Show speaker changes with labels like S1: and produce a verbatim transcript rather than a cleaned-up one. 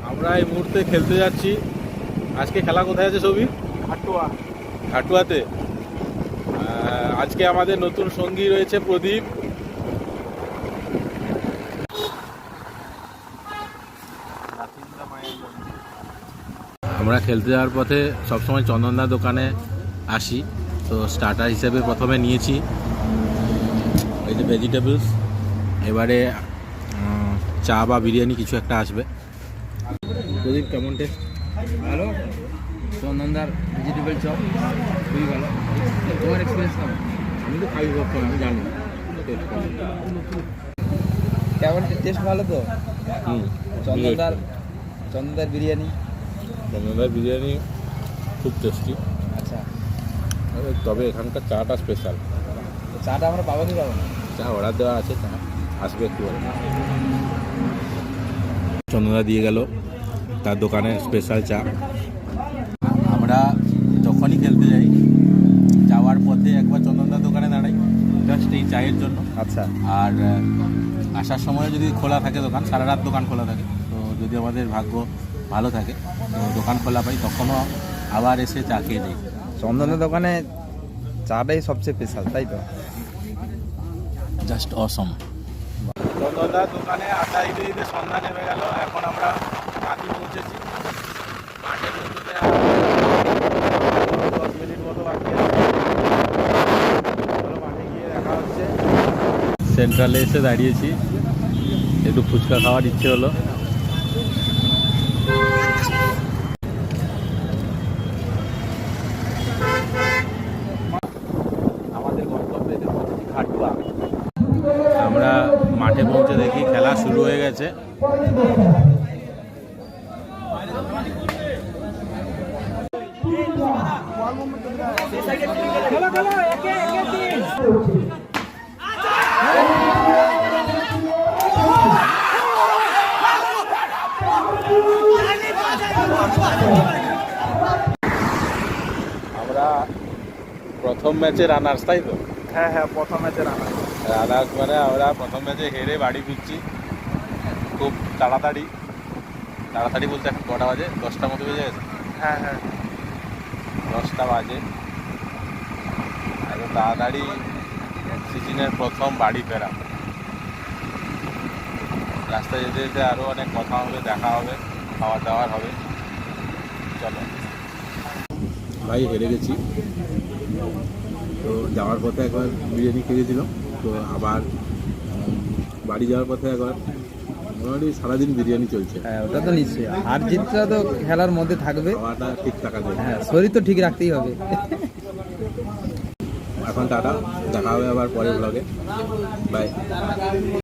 S1: আমরা এই মুহূর্তে খেলতে যাচ্ছি। আজকে খেলা কোথায় আছে সবই?
S2: ঘাটুয়া।
S1: ঘাটুয়াতে। আজকে আমাদের নতুন সঙ্গী রয়েছে প্রদীপ। আমরা খেলতে যাওয়ার পথে সবসময় চন্দনদার দোকানে আসি, তো স্টার্টার হিসেবে প্রথমে নিয়েছি এই যে ভেজিটেবলস, এবারে চা বা বিরিয়ানি কিছু একটা আসবে। প্রদীপ কেমন টেস্ট?
S2: ভালো, চন্দনদার ভেজিটেবল চপ খুবই ভালো। তোমার এক্সপিরিয়েন্স কেমন?
S1: আমি তো খাই ভাবতাম, আমি জানি
S2: কেমন টেস্ট ভালো তো।
S1: হুম
S2: চন্দনদার চন্দনদার বিরিয়ানি
S1: চন্দনদার বিরিয়ানি খুব টেস্টি।
S2: আচ্ছা,
S1: তবে এখানকার চাটা স্পেশাল।
S2: চাটা আমরা পাবো কি পাবো না?
S1: চা অর্ডার দেওয়া আছে, চা আসবে একটু পরে। চন্দনদা দিয়ে গেল তার দোকানে স্পেশাল চা। আমরা যখনই খেলতে যাই, যাওয়ার পথে একবার চন্দনদার দোকানে দাঁড়াই জাস্ট এই চায়ের জন্য।
S2: আচ্ছা,
S1: আর আসার সময় যদি খোলা থাকে দোকান, সারা রাত দোকান খোলা থাকে, তো যদি আমাদের ভাগ্য ভালো থাকে তো দোকান খোলা পাই, তখনও আবার এসে চা খেয়ে যাই।
S2: চন্দনদার দোকানে চাটাই সবচেয়ে স্পেশাল, তাই তো?
S1: জাস্ট অসম। চন্দনদার দোকানে আটা দিতে দিতে সন্ধ্যা নেমে গেল। এখন আমরা মাঠে পৌঁছেছি। মাঠে পৌঁছতে দশ মিনিট মতো বাকি আছে। মাঠে গিয়ে দেখা হচ্ছে। সেন্ট্রালে এসে দাঁড়িয়েছি, একটু ফুচকা খাওয়ার ইচ্ছে হলো। আমাদের গন্তব্যে এসে পৌঁছেছি ঘাটুয়া। আমরা মাঠে পৌঁছে দেখি খেলা শুরু হয়ে গেছে। আমরা প্রথম ম্যাচে রানার্স, তাই তো?
S2: হ্যাঁ হ্যাঁ, প্রথম ম্যাচে রানা
S1: রানার্স মানে আমরা প্রথম ম্যাচে হেরে বাড়ি ফিরছি খুব তাড়াতাড়ি। তাড়াতাড়ি বলতে এখন কটা বাজে? দশটা মতো বেজে গেছে।
S2: হ্যাঁ হ্যাঁ,
S1: দশটা বাজে। এত তাড়াতাড়ি সিজনের প্রথম বাড়ি ফেরা। রাস্তায় যেতে যেতে আরও অনেক কথা হবে, দেখা হবে, খাওয়া দাওয়ার হবে। চলো ভাই, হেরে গেছি। তো যাওয়ার পথে একবার বিরিয়ানি খেয়েছিলাম, তো আবার বাড়ি যাওয়ার পথে একবার মোটামুটি সারাদিন বিরিয়ানি চলছে।
S2: হ্যাঁ ওটা তো নিশ্চয়ই, হার জিতটা তো খেলার মধ্যে থাকবে।
S1: খাওয়াটা ঠিক থাকা যায়।
S2: হ্যাঁ, শরীর তো ঠিক রাখতেই হবে।
S1: এখন টাটা, দেখা হবে আবার পরের ব্লগে। বাই।